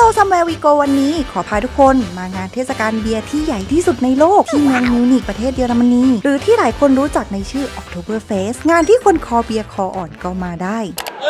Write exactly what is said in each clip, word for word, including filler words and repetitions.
Somewhere We Go วันนี้ขอพาทุกคนมางานเทศกาลเบียร์ที่ใหญ่ที่สุดในโลกที่เมืองมิวนิกประเทศเยอรมนีหรือที่หลายคนรู้จักในชื่อ Oktoberfest งานที่คนคอเบียร์คออ่อนก็มาได้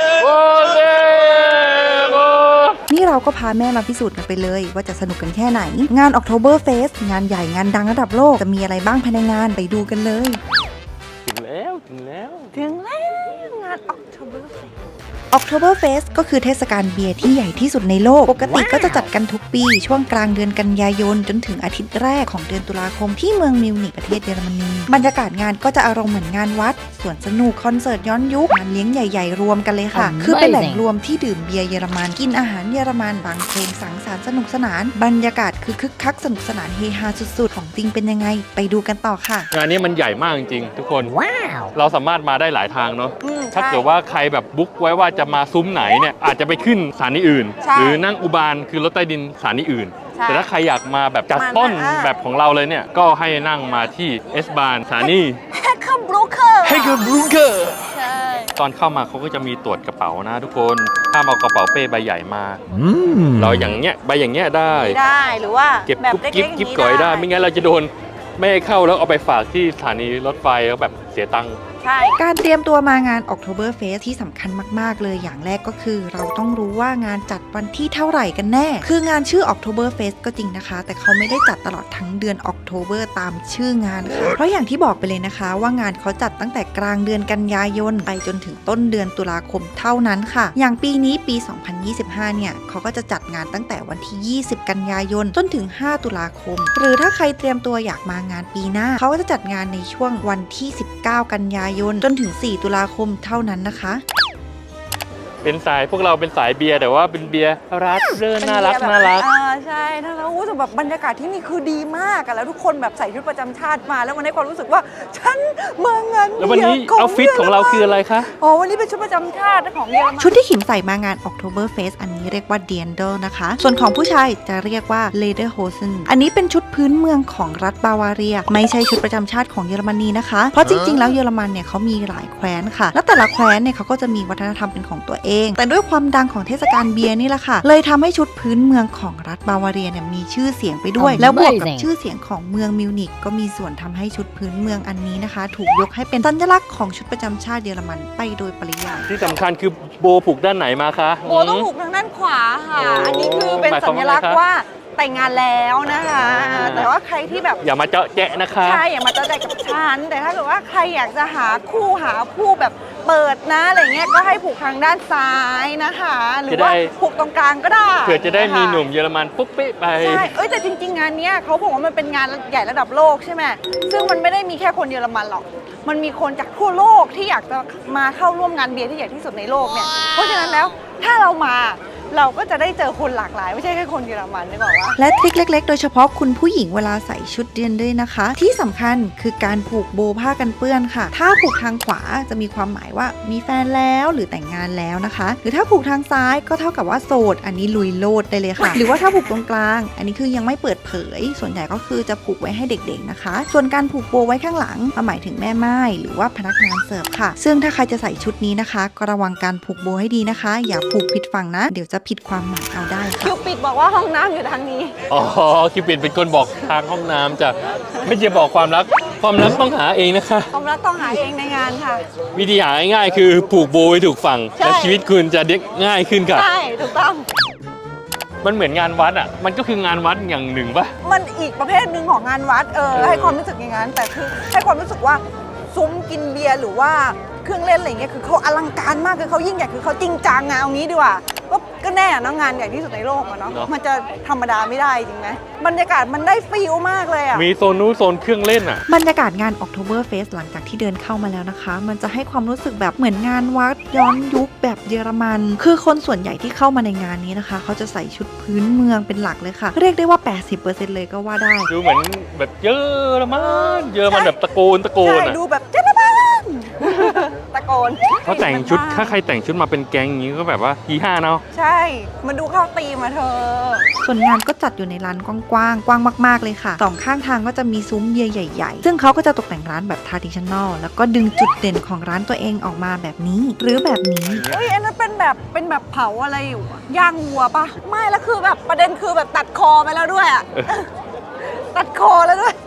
นี่เราก็พาแม่มาพิสูจน์กันไปเลยว่าจะสนุกกันแค่ไหนงาน Oktoberfest งานใหญ่งานดังระดับโลกจะมีอะไรบ้างภายในงานไปดูกันเลยถึงแล้วถึงแล้วถึงแล้วงาน Oktoberfest Oktoberfest ก็คือเทศกาลเบียร์ที่ใหญ่ที่สุดในโลกปกติก็จะจัดกันทุกปีช่วงกลางเดือนกันยายนจนถึงอาทิตย์แรกของเดือนตุลาคมที่เมืองมิวนิกประเทศเยอรมนีบรรยากาศงานก็จะอารมณ์เหมือนงานวัดสวนสนุกคอนเสิร์ตย้อนยุคงานเลี้ยงใหญ่ๆรวมกันเลยค่ะ คือเป็นแหล่งรวมที่ดื่มเบียร์เยอรมันกินอาหารเยอรมันฟังเพลงสังสรรค์สนุกสนานบรรยากาศคือคึกคักสนุกสนานเฮฮาสุดๆของจริงเป็นยังไงไปดูกันต่อค่ะงานนี้มันใหญ่มากจริงๆทุกคนว้าวเราสามารถมาได้หลายทางเนาะถ้าเกิดว่าใครแบบบุ๊กไว้ว่าจะมาซุ้มไหนเนี่ยอาจจะไปขึ้นสถานีอื่นหรือนั่งอุบาลคือรถใต้ดินสถานีอื่นแต่ถ้าใครอยากมาแบบจัดต้นแบบของเราเลยเนี่ยก็ให้นั่งมาที่เอสบานสถานีเฮคเคอร์บรูเคอร์เฮคเคอร์บรูเคอร์ใช่ตอนเข้ามาเขาก็จะมีตรวจกระเป๋านะทุกคนห้ามเอากระเป๋าเป้ใบใหญ่มาเราอย่างเงี้ยใบอย่างเงี้ยได้ได้หรือว่าเก็บกุ๊บกิ๊บกิ๊บก่อยได้ไม่งั้นเราจะโดนไม่ให้เข้าแล้วเอาไปฝากที่สถานีรถไฟแล้วแบบเสียตังค์การเตรียมตัวมางาน Oktoberfest ที่สำคัญมากๆเลยอย่างแรกก็คือเราต้องรู้ว่างานจัดวันที่เท่าไหร่กันแน่คืองานชื่อ Oktoberfest ก็จริงนะคะแต่เขาไม่ได้จัดตลอดทั้งเดือน October ตามชื่องานค่ะเพราะอย่างที่บอกไปเลยนะคะว่างานเขาจัดตั้งแต่กลางเดือนกันยายนไปจนถึงต้นเดือนตุลาคมเท่านั้นค่ะอย่างปีนี้ปี สองพันยี่สิบห้า เนี่ยเขาก็จะจัดงานตั้งแต่วันที่ ยี่สิบ กันยายนจนถึง ห้า ตุลาคมหรือถ้าใครเตรียมตัวอยากมางานปีหน้าเขาก็จะจัดงานในช่วงวันที่ สิบเก้า กันยายนจนถึง สี่ ตุลาคมเท่านั้นนะคะเป็นสายพวกเราเป็นสายเบียร์แต่ว่าเป็นเบียร์รักเรื่อน่ารักน่ารักอ่าใช่ถ้าเรารู้สึกแบบบรรยากาศที่นี่คือดีมากอะแล้วทุกคนแบบใส่ชุดประจำชาติมาแล้วมันให้ความรู้สึกว่าฉันมางานแล้ววันนี้เอาฟิตของเราคืออะไรคะอ๋อวันนี้เป็นชุดประจำชาติของเยอรมันชุดที่ขิมใส่มางาน Oktoberfest อันนี้เรียกว่า Dirndl นะคะส่วนของผู้ชายจะเรียกว่า Lederhosen อันนี้เป็นชุดพื้นเมืองของรัฐบาวาเรียไม่ใช่ชุดประจำชาติของเยอรมนีนะคะเพราะจริงๆแล้วเยอรมันเนี่ยเขามีหลายแคว้นค่ะแล้วแต่ละแคว้นเนี่ยเขาก็จะมีวัฒนธรรมเป็นของตัวเองแต่ด้วยความดังของเทศกาลเบียร์นี่แหละค่ะเลยทำให้ชุดพื้นเมืองของรัฐบาวาเรียเนี่ยมีชื่อเสียงไปด้วยแล้วบวกกับชื่อเสียงของเมืองมิวนิกก็มีส่วนทำให้ชุดพื้นเมืองอันนี้นะคะถูกยกให้เป็นสัญลักษณ์ของชุดประจำชาติเยอรมันไปโดยปริยายที่สำคัญคือโบผูกด้านไหนมาคะโบต้องผูกทางด้านขวาค่ะอันนี้คือเป็นสัญลักษณ์ว่าแต่งงานแล้วนะคะแต่ว่าใครที่แบบอย่ามาเจาะแจ๊ะนะคะใช่อย่ามาเจาะแจ๊ะกับฉันแต่ถ้าเกิดว่าใครอยากจะหาคู่หาผู้แบบเปิดนะอะไรเงี้ยก็ให้ผูกทางด้านซ้ายนะคะหรือว่าผูกตรงกลางก็ได้เผื่อจะได้มีหนุ่มเยอรมันปุ๊บปิ๊บไปใช่เอ้ยแต่จริงๆงานนี้เขาบอกว่ามันเป็นงานใหญ่ระดับโลกใช่ไหมซึ่งมันไม่ได้มีแค่คนเยอรมันหรอกมันมีคนจากทั่วโลกที่อยากจะมาเข้าร่วมงานเบียร์ที่ใหญ่ที่สุดในโลกเนี่ยเพราะฉะนั้นแล้วถ้าเรามาเราก็จะได้เจอคนหลากหลายไม่ใช่แค่คนเยอรมันนึกออกว่าและทริคเล็กๆโดยเฉพาะคุณผู้หญิงเวลาใส่ชุดเดียนด้วยนะคะที่สำคัญคือการผูกโบผ้ากันเปื้อนค่ะถ้าผูกทางขวาจะมีความหมายว่ามีแฟนแล้วหรือแต่งงานแล้วนะคะหรือถ้าผูกทางซ้ายก็เท่ากับว่าโสดอันนี้ลุยโลดได้เลยค่ะ หรือว่าถ้าผูกตรงกลางอันนี้คือยังไม่เปิดเผยส่วนใหญ่ก็คือจะผูกไว้ให้เด็กๆนะคะส่วนการผูกโบไว้ข้างหลังหมายถึงแม่ไม้หรือว่าพนักงานเสิร์ฟค่ะซึ่งถ้าใครจะใส่ชุดนี้นะคะก็ระวังการผูกโบให้ดีนะคะอย่าผูกผิดฝั่งนะเดี๋ยวจะผิดความหมายได้คิวปิดบอกว่าห้องน้ำอยู่ทางนี้อ๋อคิวปิดเป็นคนบอกทางห้องน้ำจ้ะไม่จะบอกความรักความรักต้องหาเองนะคะความรักต้องหาเองในงานค่ะวิธีหาง่ายๆคือผูกโบไว้ถูกฝั่งและชีวิตคุณจะเด็กง่ายขึ้นค่ะใช่ถูกต้องมันเหมือนงานวัดอ่ะมันก็คืองานวัดอย่างหนึ่งป่ะมันอีกประเภทหนึ่งของงานวัดเออให้ความรู้สึกอย่างนั้นแต่คือให้ความรู้สึกว่าซุ้มกินเบียร์หรือว่าเครื่องเล่นอะไรเงี้ยคือเขาอลังการมากคือเขายิ่งใหญ่คือเขาจริงจังอะเอางี้ดีกว่าก็แน่นะงานใหญ่ที่สุดในโลกอะเนาะมันจะธรรมดาไม่ได้จริงไหมบรรยากาศมันได้ฟีลมากเลยอะมีโซนนู้นโซนเครื่องเล่นอะบรรยากาศงาน Oktoberfest หลังจากที่เดินเข้ามาแล้วนะคะมันจะให้ความรู้สึกแบบเหมือนงานวัดย้อนยุคแบบเยอรมันคือคนส่วนใหญ่ที่เข้ามาในงานนี้นะคะเขาจะใส่ชุดพื้นเมืองเป็นหลักเลยค่ะเรียกได้ว่า แปดสิบเปอร์เซ็นต์ เลยก็ว่าได้ดูเหมือนแบบเยอรมันเยอรมันแบบตะโกนตะโกนใช่ดูแบบเยอรมันตะโกโกนเขาแต่งชุดถ้าใครแต่งชุดมาเป็นแก๊งอย่างนี้ก็แบบว่าฮีห้าเนาะใช่มันดูเข้าตีมาเธอส่วนงานก็จัดอยู่ในร้านกว้างๆกว้างมากๆเลยค่ะสองข้างทางก็จะมีซุ้มเบียร์ใหญ่ๆซึ่งเขาก็จะตกแต่งร้านแบบทาร์ดิชันแนลแล้วก็ดึงจุดเด่นของร้านตัวเองออกมาแบบนี้ หรือแบบนี้เฮ้ยอันนั้นเป็นแบบเป็นแบบเผาอะไรอยู่อะย่างวัวปะไม่แล้วคือแบบประเด็นคือแบบตัดคอไปแล้วด้วยอะ ตัดคอแล้วด้วย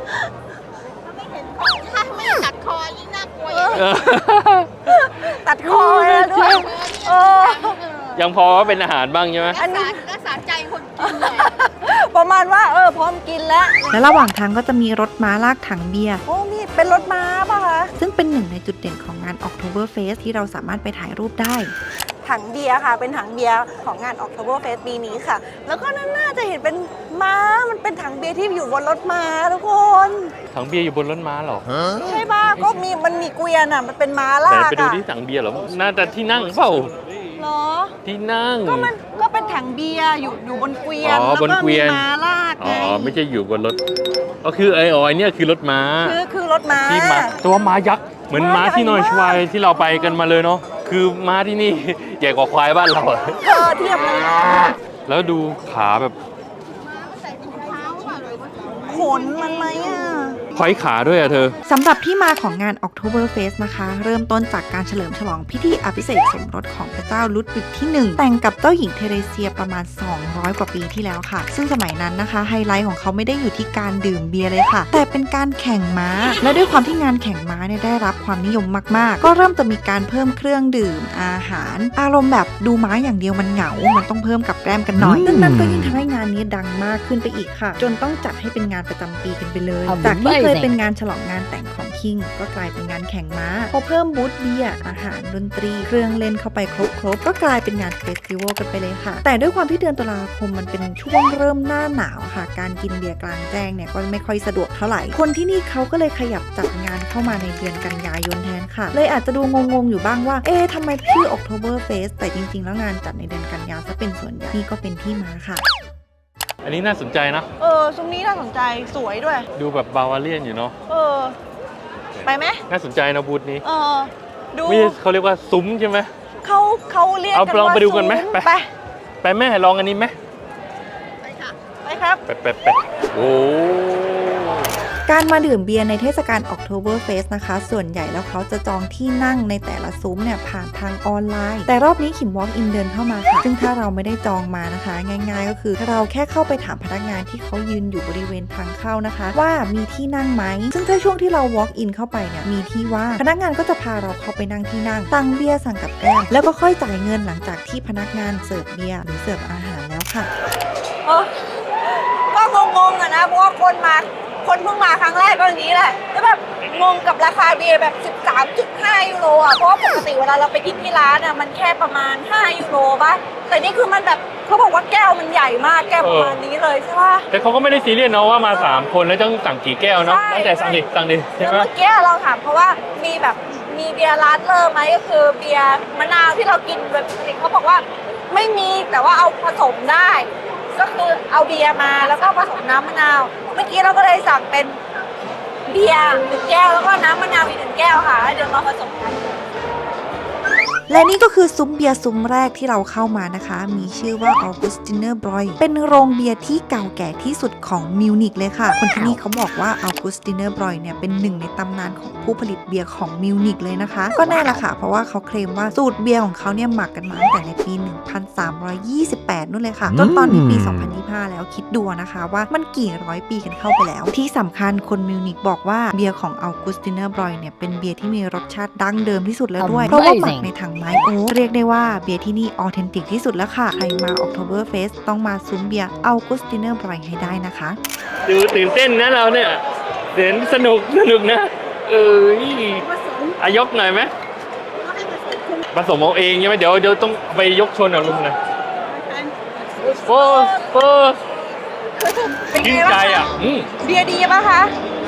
ถ้าไม่ตัดคอยิ่งน่ากลัวเออตัดคอไปแล้วด้วยเออยังพอว่าเป็นอาหารบ้างใช่ไหมอันนี้รักษาใจคนกินเลยประมาณว่าเออพร้อมกินแล้วและระหว่างทางก็จะมีรถม้าลากถังเบียร์โอ้มีเป็นรถม้าป่ะคะซึ่งเป็นหนึ่งในจุดเด่นของงาน Oktoberfest ที่เราสามารถไปถ่ายรูปได้ถังเบียร์ค่ะ เป็นถังเบียร์ของงาน Oktoberfest ปีนี้ค่ะ แล้วก็นั่นน่าจะเห็นเป็นม้ามันเป็นถังเบียร์ที่อยู่บนรถม้าทุกคนถังเบียร์อยู่บนรถม้าเหรอใช่ป่ะก็มีมันมีเกวียนอ่ะมันเป็นม้าไหนลากไปดูอ่ะที่ถังเบียร์เหรอน่าจะที่นั่งเปล่าเหรอที่นั่งก็มันก็เป็นถังเบียร์อยู่อยู่บนเกวียนอ๋อแล้วบนก็เกวีมียนม้าลากอ๋ไงอไม่ใช่อยู่บนรถก็คือไอ้อ๋อไอ้เนี่ยคือรถม้าคือคือรถม้าที่ม้าตัวม้ายักษ์เหมือนม้าที่นอยชวายที่เราไปกันมาเลยเนาะคือม้าที่นี่ ใหญ่กว่าควายบ้านเราอะเธอเทียบเลยแล้วดูขาแบบใส่ถุงเท้าเปล่าเลยว่าขนมันไหมอ่ะควายขาด้วยอะเธอสำหรับที่มาของงาน Oktoberfest นะคะ เริ่มต้นจากการเฉลิมฉลองพิธีอภิเษกสมรสของพระเจ้าลุดวิกที่ หนึ่ง แต่งกับเจ้าหญิงเทเรเซียประมาณ สองร้อย กว่าปีที่แล้วค่ะ ซึ่งสมัยนั้นนะคะ ไฮไลท์ของเขาไม่ได้อยู่ที่การดื่มเบียร์เลยค่ะ แต่เป็นการแข่งม้า และด้วยความที่งานแข่งม้าเนี่ยได้รับความนิยมมากๆ ก็เริ่มจะมีการเพิ่มเครื่องดื่มอาหาร อารมณ์แบบดูม้าอย่างเดียวมันเหงา มันต้องเพิ่มกับแกล้มกันหน่อยซึ่งนั่นก็ยิ่งทำให้งานนี้ดังมากขึ้นไปอีกค่ะ จนต้องจัดให้เป็นงานประจำปีกันไปเลย จากที่เคยเป็นงานฉลองงานแต่งของคิงก็กลายเป็นงานแข่งม้าพอเพิ่มบูธเบียร์อาหารดนตรี เครื่องเล่นเข้าไปครบๆก็กลายเป็นงานเฟสติวัลกันไปเลยค่ะ แต่ด้วยความที่เดือนตุลาคมมันเป็นช่วงเริ่มหน้าหนาวค่ะ การกินเบียร์กลางแจ้งเนี่ยก็ไม่ค่อยสะดวกเท่าไหร่คนที่นี่เขาก็เลยขยับจัดงานเข้ามาในเดือนกันยายนแทนค่ะเลยอาจจะดูงงๆอยู่บ้างว่าเอ๊ะทำไมชื่อ Oktoberfest แต่จริงๆแล้วงานจัดในเดือนกันยาซะเป็นส่วนใหญ่นี่ก็เป็นที่มาค่ะอันนี้น่าสนใจนะเออซุ้มนี้น่าสนใจสวยด้วยดูแบบบาวาเลียนอยู่เนาะเออ ไปไหมน่าสนใจนะบูธนี้เออ ดูไม่ใช่เขาเรียกว่าซุ้มใช่ไหมเขาเขาเรียกเอากันลองว่าไปดูกันไหมซุ้ไปไปไปแม่ลองอันนี้ไหมไปค่ะไปครับไปไปไปโอ้การมาดื่มเบียร์ในเทศกาล Oktoberfest นะคะ ส่วนใหญ่แล้วเขาจะจองที่นั่งในแต่ละซุ้มเนี่ยผ่านทางออนไลน์ แต่รอบนี้ขิม walk in เดินเข้ามาค่ะ ซึ่งถ้าเราไม่ได้จองมานะคะ ง่ายๆ ก็คือเราแค่เข้าไปถามพนักงานที่เขายืนอยู่บริเวณทางเข้านะคะ ว่ามีที่นั่งไหม ซึ่งถ้าช่วงที่เรา walk in เข้าไปเนี่ยมีที่ว่างพนักงานก็จะพาเราเข้าไปนั่งที่นั่งสั่งเบียร์สั่งกับแก้มแล้วก็ค่อยจ่ายเงินหลังจากที่พนักงานเสิร์ฟเบียร์หรือเสิร์ฟอาหารแล้วค่ะเออ ก็งงๆอะนะ เพราะว่าคนมา คนเพิ่งมาครั้งแรกก็อย่างนี้แหละ แล้วแบบงงกับราคาเบียร์แบบ สิบสามจุดห้า ยูโรอ่ะ เพราะว่าปกติเวลาเราไปกินที่ร้านอ่ะมันแค่ประมาณ ห้า ยูโรป่ะ แต่นี่คือมันแบบเขาบอกว่าแก้วมันใหญ่มาก แก้วประมาณนี้เลยใช่ป่ะแต่เขาก็ไม่ได้ซีเรียสเนาะว่ามาสามคนแล้วต้องสั่งกี่แก้วเนาะใช่ตั้งแต่สั่งดิสั่งดิใช่แล้วไหมเมื่อกี้เราถามเขาว่ามีแบบมีเบียร์ร้านเลอร์ไหมก็คือเบียร์มะนาวที่เรากินแบบปกติเขาบอกว่าไม่มีแต่ว่าเอาผสมได้ ก็คือเอาเบียร์มาแล้วก็ผสมน้ำมะนาว เมื่อกี้เราก็เลยสั่งเป็นเบียร์หนึ่งแก้วแล้วก็น้ำมะนาวอีกหนึ่งแก้วค่ะแล้วเดี๋ยวมาผสมกันและนี่ก็คือซุ้มเบียร์ซุ้มแรกที่เราเข้ามานะคะ มีชื่อว่า Augustiner Bräu เป็นโรงเบียร์ที่เก่าแก่ที่สุดของมิวนิกเลยค่ะ คนที่นี่เขาบอกว่า Augustiner Bräu เนี่ยเป็นหนึ่งในตำนานของผู้ผลิตเบียร์ของมิวนิกเลยนะคะ ก็แน่ละค่ะ เพราะว่าเขาเคลมว่าสูตรเบียร์ของเขาเนี่ยหมักกันมาตั้งแต่ในปี หนึ่งพันสามร้อยยี่สิบแปด นู่นเลยค่ะ จนตอนนี้ปี สองพันยี่สิบห้า แล้วคิดดูนะคะว่ามันกี่ร้อยปีกันเข้าไปแล้ว ที่สำคัญคนมิวนิกบอกว่าเบียร์ของ Augustiner Bräu เนี่ยเป็นเบียร์ที่มีรสชาติดั้งเดิมที่สุดแล้วด้วยเพราะว่าหมักในถังไม้โอ๊กเรียกได้ว่าเบียร์ที่นี่ออเทนติกที่สุดแล้วค่ะ ใครมา Oktoberfest ต้องมาซุ้มเบียร์ Augustiner Bräu ให้ได้นะคะดูตื่นเต้นนะเราเนี่ยเดินสนุกสนุกนะ เอ้ยอายกหน่อยไหมผสมเอาเองใช่ไหมเดี๋ยวเดี๋ยวต้องไปยกชนกับลุงนะโฟร์โฟร์เป็นชื่ไงนใจบ้างคะอ่ะอืมเบียร์ดีป่ะคะ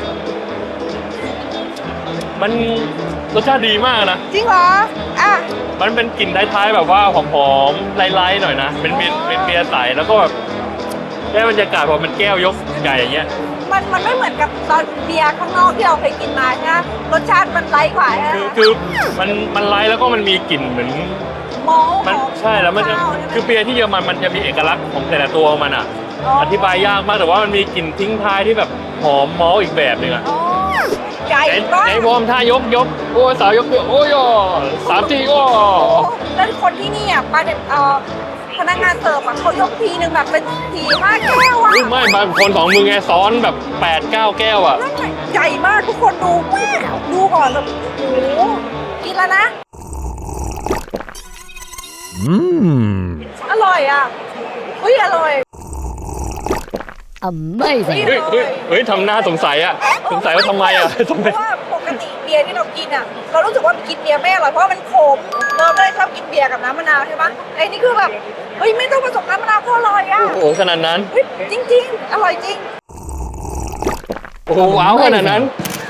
มันรสชาติดีมากนะจริงเหรออ่ะมันเป็นกลิ่นท้ายๆแบบว่าหอมๆไล่ๆหน่อยนะ เป็นเบียร์เป็นเบียร์ใสแล้วก็แบบได้บรรยากาศพอมันแก้วยกใหญ่อย่างเงี้ยมันมันไม่เหมือนกับตอนเบียร์ข้างนอกที่เราเคยกินมาใช่ไหมรสชาติมันไร้กว่าใช่ไหมคือคือมันมันไลท์แล้วก็มันมีกลิ่นเหมือนมอลมันหอใช่แล้วมันจะข้าวใช่ไหคือเบียร์ที่เยอรมันมันจะมีเอกลักษณ์ของแต่ละตัวของมันอ่ะ อธิบายยากมากแต่ว่ามันมีกลิ่นทิ้งท้ายที่แบบหอมมอลต์อีกแบบหนึงอ่ะอ๋อไก่ไหนบ้าไหนวอร์มท่ายกยกโอ้ยสาวยกเดียวโอ้ยอ่อสามทีโอ้แล้วคนที่นี่อ่ะปลาเด็ดเอ่อพนักงานเสิร์ฟอ่ะเขายกทีนึงแบบเป็นทีห้าแก้วอ่ะยไม่บางคนสองมือไงซ้อนแบบแปดเก้าแก้วอ่ะนั่นไงใหญ่มากทุกคนดูดูก่อนแบบโอ้โหกินแล้วนะอืมอร่อยอ่ะอุ้ยอร่อย Amazing. เฮ้ยเฮ้ยเฮ้ยทำหน้าสงสัยอ่ะสงสัยว่าทำไมอ่ะทำไมเพราะว่าปกติเบียร์ที่เรากินอ่ะ เรารู้สึกว่ากินเบียร์ไม่อร่อยเพราะว่ามันขมเราไม่ได้ชอบกินเบียร์กับน้ำมะนาวใช่ปะไอ้นี่คือแบบเฮ้ยไม่ต้องผสมน้ำมะนาวก็อร่อยอ่ะโอ้โหขนาดนั้นเฮ้ยจริง ๆ อร่อยจริงโอ้โหว้าวขนาดนั้น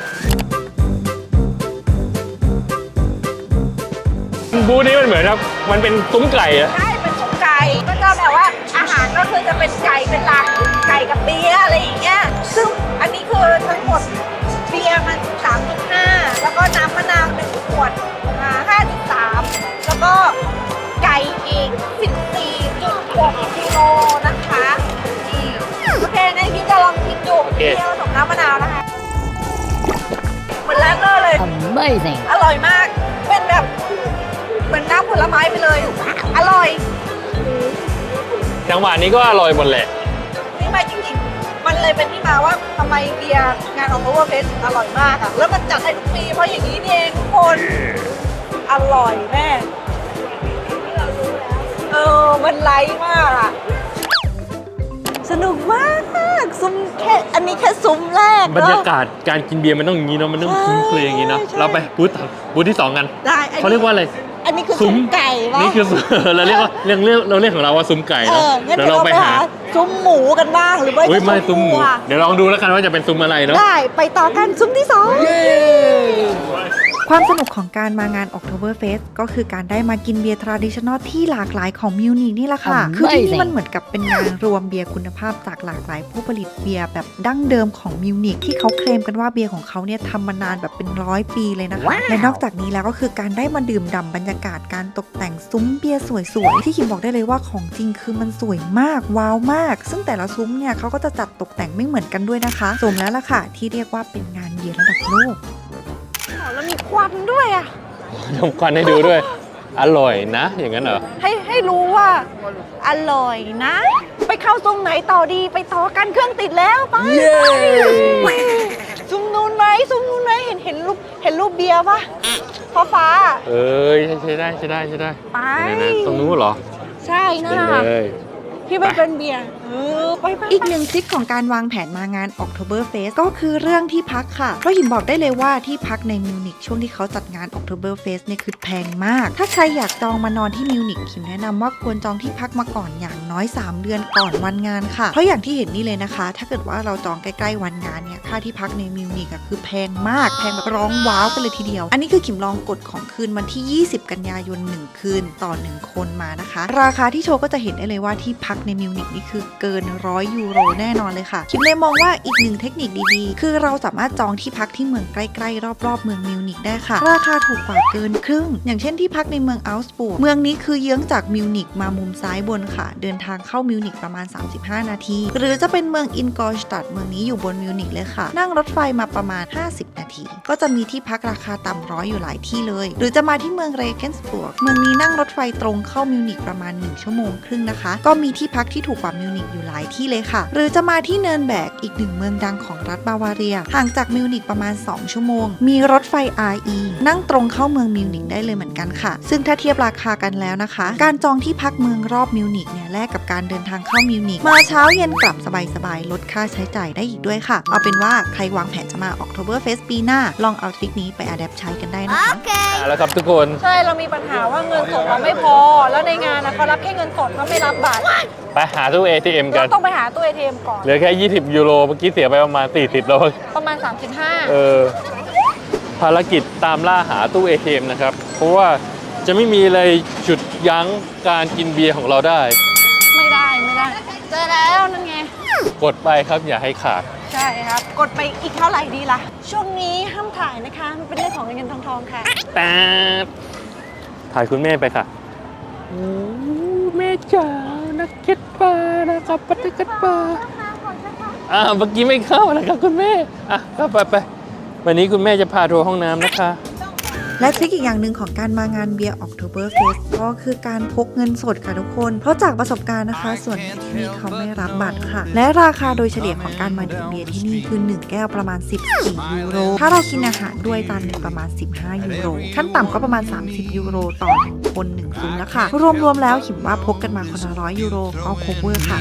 บูธนี้มันเหมือนแบบมันเป็นซุ้มไก่อะใช่เป็นสุกไก่ก็จะแบบว่าอาหารก็คือจะเป็นไก่เป็นหลักไก่กับเบียร์อะไรอย่างเงี้ยซึ่งอันนี้คือทั้งหมดเบียร์มัน สามจุดห้า แล้วก็น้ำมะนาวหนึ่งขวดอ่า ห้าจุดสาม แล้วก็ไก่อีก สิบสี่จุดหก กิโลนะคะนี่โอเคงั้นพี่จะลองชิมดูเบียร์ผสมน้ำมะนาวนะคะเหมือนแรกเลย Amazing. อร่อยมาก เป็นแบบเหมือนน้ำผลไม้ไปเลย อร่อยจังหวะนี้ก็อร่อยหมดแหละนี่มาจริงๆ มันเลยเป็นที่มาว่าทำไมเบียร์งานของ Oktoberfest อร่อยมากอะแล้วมันจัดให้ทุกปีเพราะอย่างนี้นี่เองทุกคน อร่อยแม่เออ มันไลท์มากอะสนุกมากซุ้มแค่อันนี้แค่ซุ้มแรกบรรเนยาอะกาศการกินเบียร์มันต้องอย่างนี้เนาะมันต้องคุ้นเคยอย่างนี้เนาะใช่เราไปบูธต่อบูธที่สองกันได้อันนี้เขาเรียกว่าอะไรอันนี้คือซุ้ซุ้มมไก่ปะนี่คือ เราเรียกว่าเรียกเรียกเราเรียกของเราว่าซุ้มไก่เอเนาะองั้นเดี๋ยวเดี๋ยวเราเราไปไปหาหาซุ้มหมูกันบ้างหรือว่าเฮ้ยไม่ซุ้มหมูวัวเดี๋ยวลองดูแล้วกันว่าจะเป็นซุ้มอะไรเนาะได้ไปต่อกันซุ้มที่สองความสนุกของการมางาน Oktoberfest ก็คือการได้มากินเบียร์ traditional ที่หลากหลายของมิวนิกนี่แหละค่ะ Amazing คือที่นี่มันเหมือนกับเป็นงานรวมเบียร์คุณภาพจากหลากหลายผู้ผลิตเบียร์แบบดั้งเดิมของมิวนิกที่เขาเคลมกันว่าเบียร์ของเขาเนี่ยทำมานานแบบเป็นร้อยปีเลยนะคะ และนอกจากนี้แล้วก็คือการได้มาดื่มด่ำบรรยากาศการตกแต่งซุ้มเบียร์สวยๆที่คิมบอกได้เลยว่าของจริงคือมันสวยมากว้าวมาก ซึ่งแต่ละซุ้มเนี่ยเขาก็จะจัดตกแต่งไม่เหมือนกันด้วยนะคะสมแล้วล่ะค่ะที่เรียกว่าเป็นงานเบียร์ระดับโลกแล้วมีควันด้วยอ่ะทำควันให้ดูด้วย อร่อยนะ อย่างนั้นเหรอให้ให้รู้ว่า อร่อยนะ ไปเข้าซุ้มไหนต่อดีไปต่อกันเครื่องติดแล้วไปเย้ไปซุ้มนู้นไหมซุ้มนู้นไหมเห็นเห็นรูปเห็นรูปเบียร์ปะฟ้าฟ้าเอ้ยใช่ได้ใช่ได้ใช่ได้ไปไหนๆตรงนู้นเหรอใช่นั่นเป็นน่ะเลยที่มันเป็นเบียร์เออไปไปอีกหนึ่งทริคของการวางแผนมางาน Oktoberfest ก็คือเรื่องที่พักค่ะ เพราะหิมบอกได้เลยว่าที่พักในมิวนิกช่วงที่เขาจัดงาน Oktoberfest เนี่ยคือแพงมาก ถ้าใครอยากจองมานอนที่มิวนิกหิมแนะนำว่าควรจองที่พักมาก่อนอย่างน้อย สาม เดือนก่อนวันงานค่ะ เพราะอย่างที่เห็นนี่เลยนะคะ ถ้าเกิดว่าเราจองใกล้ๆวันงานเนี่ยค่าที่พักในมิวนิกอะคือแพงมากแพงแบบร้องว้าวกันเลยทีเดียว อันนี้คือขิมลองกดของคืนวันที่ ยี่สิบ กันยายนหนึ่งคืนต่อหนึ่งคนมานะคะ ราคาที่โชว์ก็จะเห็นได้เลยว่าที่พักในมิวนิกนี่คือเกินร้อยยูโรแน่นอนเลยค่ะคิมเลยมองว่าอีกหนึ่งเทคนิคดีๆ คือเราสามารถจองที่พักที่เมืองใกล้ๆรอบๆเมืองมิวนิกได้ค่ะ ราคาถูกกว่าเกินครึ่ง อย่างเช่นที่พักในเมืองอัลสบูร์กเมืองนี้คือเยื้องจากมิวนิกมามุมซ้ายบนค่ะ เดินทางเข้ามิวนิกประมาณ สามสิบห้า นาที หรือจะเป็นเมืองอินกอร์สตัดเมืองนี้อยู่บนมิวนิกเลยค่ะ นั่งรถไฟมาประมาณ ห้าสิบ นาที ก็จะมีที่พักราคาต่ำร้อยอยู่หลายที่เลย หรือจะมาที่เมืองเรเกนสบวร์กเมืองนี้นั่งรถไฟตรงเข้ามิวนิกประมาณหนึ่งชั่วโมงครึ่งนะคะ ก็มีที่พักที่ถูกกว่ามิวนิกอยู่หลายที่เลยค่ะ หรือจะมาที่เนิร์นแบกอีกหนึ่งเมืองดังของรัฐบาวาเรียห่างจากมิวนิกประมาณสองชั่วโมงมีรถไฟ อาร์ อี นั่งตรงเข้าเมืองมิวนิกได้เลยเหมือนกันค่ะซึ่งถ้าเทียบราคากันแล้วนะคะการจองที่พักเมืองรอบมิวนิกเนี่ยแลกกับการเดินทางเข้ามิวนิกมาเช้าเย็นกลับสบายๆลดค่าใช้จ่ายได้อีกด้วยค่ะเอาเป็นว่าใครวางแผนจะมา Oktoberfest ปีหน้าลองเอาทริคนี้ไปอัดแอปใช้กันได้นะคะเอาละครับทุกคนใช่เรามีปัญหาว่าเงินสดเราไม่พอ แล้วในงานนะเขารับแค่เงินสดเขาไม่รับบัตรไปหาตู้ เอ ที เอ็ม กัเรานต้องไปหาตู้ เอ ที เอ็ม ก่อนเหลือแค่ ยี่สิบ ยูโร เมื่อกี้เสียไปประมาณ สี่สิบ แล้วประมาณ สามสิบห้าเออ ภารกิจตามล่าหาตู้ เอ ที เอ็ม นะครับ เพราะว่าจะไม่มีอะไรฉุดยั้งการกินเบียร์ของเราได้ไม่ได้ไม่ได้ เจอแล้วนั่นไงกดไปครับอย่าให้ขาดใช่ครับ กดไปอีกเท่าไหร่ดีล่ะ ช่วงนี้ห้ามถ่ายนะคะมันเป็นเรื่องของเงินทองทองค่ะแต่ถ่ายคุณแม่ไปค่ะโอ้แม่จ๋านักเก็ตปลานะครับปัตตกัดปลาอ่าเมื่อกี้ไม่เข้านะครับคุณแม่อ่ะก็ไปไปวันนี้คุณแม่จะพาทัวร์ห้องน้ำนะคะและทริคอีกอย่างหนึ่งของการมางานเบียร์ Oktoberfest ก็คือการพกเงินสดค่ะทุกคน เพราะจากประสบการณ์นะคะ ส่วนใหญ่ที่นี่เขาไม่รับบัตรค่ะ และราคาโดยเฉลี่ยของการมาดื่มเบียร์ที่นี่คือหนึ่งแก้วประมาณสิบสี่ยูโร ถ้าเรากินอาหารด้วยจานหนึ่งประมาณสิบห้ายูโร ขั้นต่ำก็ประมาณสามสิบยูโรต่อหนึ่งคนหนึ่งซุ้มแล้วค่ะ รวมๆแล้วขิมว่าพกกันมาคนละร้อยยูโรก็ cover ค่ะ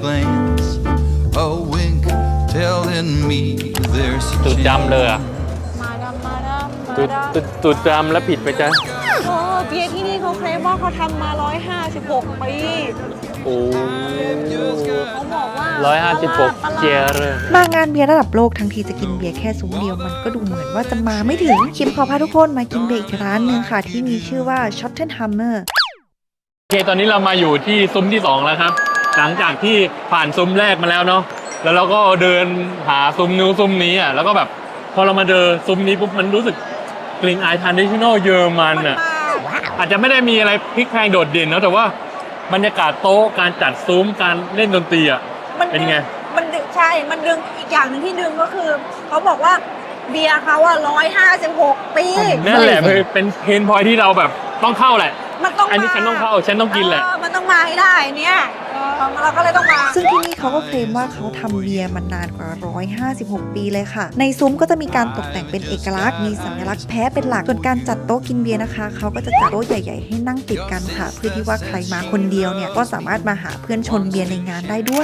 A wink telling me there's a จุดจำเลยอะมาดามมาดามมาจุดดามจุดจุดจำแล้วผิดไปจ้ะโอ้เบียร์ที่นี่เขาเคลมว่าเขาทำมาร้อยห้าสิบหกปีโอ้เขาบอกว่าร้อยห้าสิบหกเจเรมางานเบียร์ระดับโลกทั้งทีจะกินเบียร์แค่ซุ้มเดียวมันก็ดูเหมือนว่าจะมาไม่ถึงคิมขอพาทุกคนมากินเบียร์อีกร้านหนึ่งค่ะที่มีชื่อว่า Schottenhammer โอเคตอนนี้เรามาอยู่ที่ซุ้มที่สองแล้วครับ หลังจากที่ผ่านซุ้มแรกมาแล้วเนาะแล้วเราก็เดินหาซุ้มนู้นซุ้มนี้อ่ะแล้วก็แบบพอเรามาเจอซุ้มนี้ปุ๊บมันรู้สึกกลิ่นอายทรานดิชันแนลเยอรมันอ่ะอาจจะไม่ได้มีอะไรพลิกแพลงโดดเด่นเนาะแต่ว่าบรรยากาศโต๊ะการจัดซุ้มการเล่นดนตรีอ่ะมันเป็นไงมันดึงใช่ มันดึงอีกอย่างหนึ่งที่ดึงก็คือ เขาบอกว่าเบียร์เขาอะร้อยห้าสิบหกปีนั่นแหละเป็นเพนพอยที่เราแบบต้องเข้าแหละมันต้องอันนี้ฉันต้องเข้าฉันต้องกินแหละเออมันต้องมาให้ได้เนี่ยเออเราก็เลยต้องมาซึ่งที่นี่เขาก็เคลมว่าเขาทำเบียร์มานานกว่า หนึ่งร้อยห้าสิบหก ปีเลยค่ะ ในซุ้มก็จะมีการตกแต่งเป็นเอกลักษณ์ มีสัญลักษณ์แพ้เป็นหลัก ส่วนการจัดโต๊ะกินเบียร์นะคะ เขาก็จะจัดโต๊ะใหญ่ๆให้นั่งติดกันค่ะ เพื่อที่ว่าใครมาคนเดียวเนี่ยก็สามารถมาหาเพื่อนชนเบียร์ในงานได้ด้วย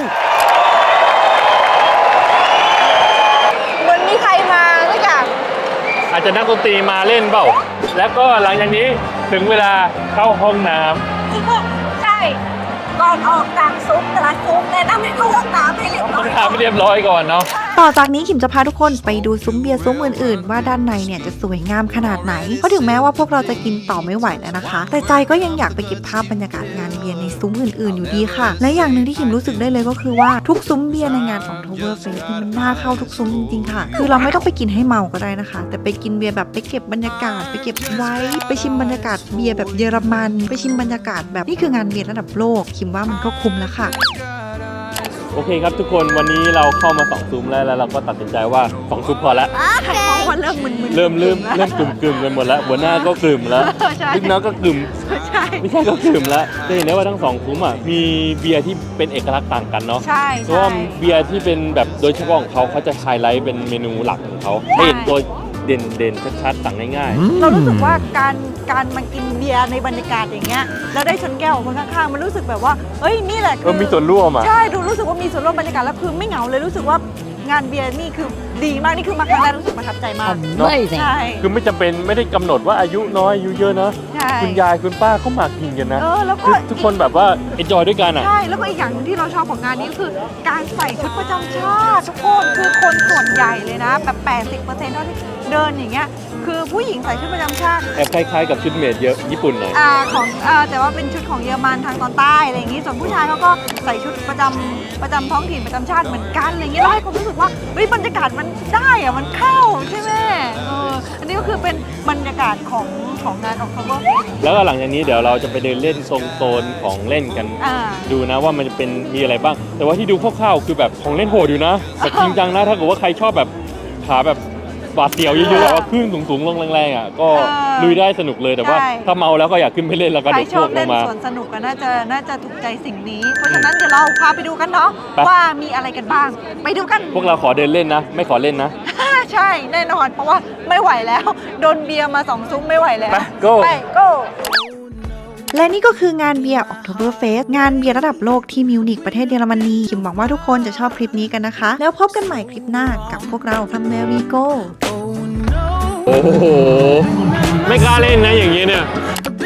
เหมือนมีใครมาด้วยกันอาจจะนักดนตรีมาเล่นเปล่าแล้วก็หลังจากนี้ถึงเวลาเข้าห้องน้ำใช่ ก่อนออกจากซุ้มแต่ละซุ้มแนะนำให้เข้าห้องน้ำให้เรียบร้ต้อองยทำให้เรียบร้อยก่อนเนาะต่อจากนี้ขิมจะพาทุกคนไปดูซุ้มเบียร์ซุ้มอื่นๆ ว่าด้านในเนี่ยจะสวยงามขนาดไหน เพราะถึงแม้ว่าพวกเราจะกินต่อไม่ไหวแล้วนะคะ แต่ใจก็ยังอยากไปเก็บภาพบรรยากาศงานเบียร์ในซุ้มอื่นๆอยู่ดีค่ะ และอย่างหนึ่งที่ขิมรู้สึกได้เลยก็คือว่าทุกซุ้มเบียร์ในงานของ Oktoberfest นี่มันน่าเข้าทุกซุ้มจริงๆค่ะ คือเราไม่ต้องไปกินให้เมาก็ได้นะคะ แต่ไปกินเบียร์แบบไปเก็บบรรยากาศไปเก็บไว้ไปชิมบรรยากาศเบียร์แบบเยอรมันไปชิมบรรยากาศแบบนี่คืองานเบียร์ระดับโลกขิมว่ามันก็คุ้มแล้วค่ะโอเคครับทุกคนวันนี้เราเข้ามาสองซุ้มแล้วแล้วเราก็ตัดสินใจว่าสองซุ้มพอแล้วใครมองว่าเริ่มมึนๆเริ่มเริ่มเริ่มกลุ่มกลุ่มกันหมดแล้วหัวหน้าก็กลุ่มแล้วใช่ลูกน้องก็กลุ่มใช่ไม่ใช่ก็กลุ่มแล้วจะเห็นได้ว่าทั้งสองซุ้มอ่ะมีเบียร์ที่เป็นเอกลักษณ์ต่างกันเนาะใช่เพราะว่าเบียร์ที่เป็นแบบโดยเฉพาะของเขาเขาจะไฮไลท์เป็นเมนูหลักของเขาให้เห็นตัวเด่นเด่นๆชัดๆสั่งง่ายเรารู้สึกว่าการการมากินเบียร์ในบรรยากาศอย่างเงี้ยแล้วได้ชนแก้วของคนข้างๆมันรู้สึกแบบว่าเอ้ยนี่แหละๆคืก็มีส่วนร่วมอ่ะใช่ดูรู้สึกว่ามีส่วนร่วมบรรยากาศแล้วคือไม่เหงาเลยรู้สึกว่างานเบียร์นี่คือดีมากนี่คือมาครั้งแรกรู้สึกประทับใจมากเนอะใช่คือไม่จำเป็นไม่ได้กำหนดว่าอายุน้อยอายุเยอะนะใช่คุณยายคุณป้าเขามากินกันนะเออแล้วก็คือทุกคนแบบว่าเอนจอยด้วยกันอ่ะใช่แล้วก็อีกอย่างหนึ่งที่เราชอบของงานนี้ก็คือการใส่ชุดประจำชาติทุกคนคือคนส่วนใหญ่เลยนะแบบ แปดสิบเปอร์เซ็นต์ เท่าที่เดินอย่างเงี้ยคือผู้หญิงใส่ชุดประจำชาติแอบคล้ายๆกับชุดเมดเยอะญี่ปุ่นหน่อยอ่าของอ่าแต่ว่าเป็นชุดของเยอรมันทางตอนใต้อะไรอย่างงี้ส่วนผู้ชายเขาก็ใส่ชุดประจำประจำท้องถิ่นประจำชาติเหมือนกันอะไรอย่างเงี้ยแล้วให้ความรู้สึกว่าเฮ้ยบรรยากาศมันได้อะมันเข้าใช่ไหมเอออันนี้ก็คือเป็นบรรยากาศของของงานของ Oktoberfest แล้วก็หลังจากนี้เดี๋ยวเราจะไปเดินเล่นโซนโซนของเล่นกันอ่าดูนะว่ามันจะเป็นมีอะไรบ้าง แต่ว่าที่ดูคร่าวๆคือแบบของเล่นโหดอยู่นะแต่จริงจังนะถ้าเกิดว่าใครชอบแบบขาแบบบาดเสียวเยอะๆแบบว่าขึ้นสูงๆลงแรงๆอ่ะก็ลุยได้สนุกเลยแต่ว่าใช่ถ้าเมาแล้วก็อยากขึ้นไปเล่นแล้วก็ใครเดี๋ยวชพอวบกลเล่งนมาสวนสนุกก็น่าจะน่าจะถูกใจสิ่งนี้ เพราะฉะนั้นเดี๋ยวเราพาไปดูกันเนาะไปว่ามีอะไรกันบ้าง ไปดูกันพวกเราขอเดินเล่นนะ ไม่ขอเล่นนะใช่แน่นอนเพราะว่าไม่ไหวแล้ว โดนเบียร์มาสองซุ้มไม่ไหวแล้วไป go ไป go และนี่ก็คืองานเบียร์ Oktoberfest งานเบียร์ระดับโลกที่มิวนิกประเทศเยอรมนีคิมหวังว่าทุกคนจะชอบคลิปนี้กันนะคะ แล้วพบกันใหม่คลิปหน้ากับพวกเรา Somewhere We Go โอ้โห ไม่กล้าเล่นนะอย่างนี้เนี่ย A